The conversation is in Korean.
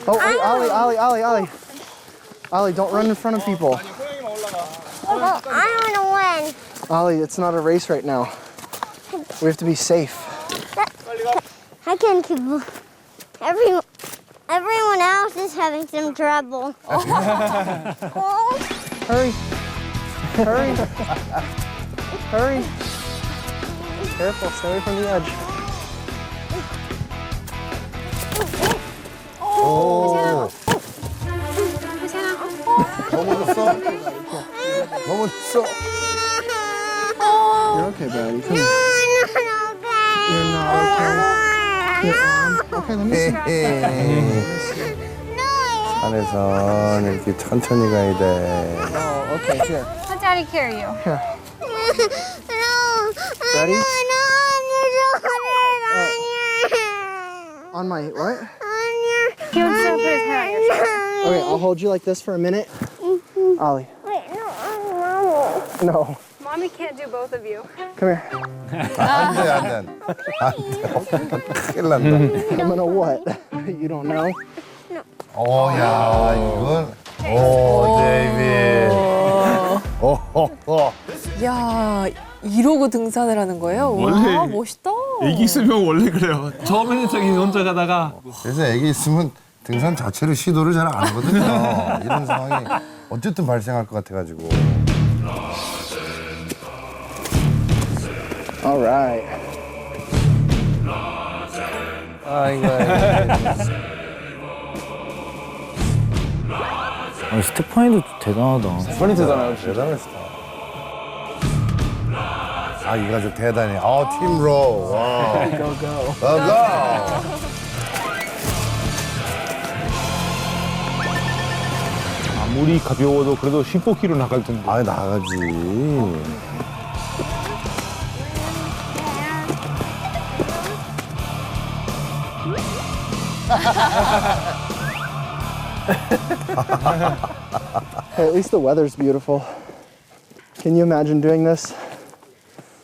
Oh, wait, Ollie. Ollie, don't run in front of people. Well, I want to win. Ollie, it's not a race right now. We have to be safe. I can keep. Everyone else is having some trouble. Oh. Hurry. Hurry. Careful, stay away from the edge. 오. 넘어졌어? 넘어졌어? You're okay, buddy. Come here. You're not okay. Your arm. Okay, let me see. 산에선 이렇게 천천히 가야 돼. Oh, okay, here. Let Daddy carry you. Here. No. Ready? No, On my, what? He wants to put his head on your shoulder. Okay, I'll hold you like this for a minute. Ollie. Wait, no. No. Mommy can't do both of you. Come here. 안 돼, 안 돼. 큰일 난다. I'm gonna what? You don't know? 야, 이건. 오, 데이빗. 오. 야, 이러고 등산을 하는 거예요? 원래 와, 멋있다. 애기 있으면 원래 그래요. 처음에는 저기 혼자 가다가 그래서 애기 있으면 등산 자체를 시도를 잘 안 하거든요. 이런 상황이 어쨌든 발생할 것 같아가지고. All right. 스테파니도 대단하다. 대단했어. 아, 이 가족 대단해. 팀로. 와. Go, go. go. 아무리 가벼워도 그래도 15kg 나갈 텐데. 아, 나가지. Hey, at least the weather's beautiful. Can you imagine doing this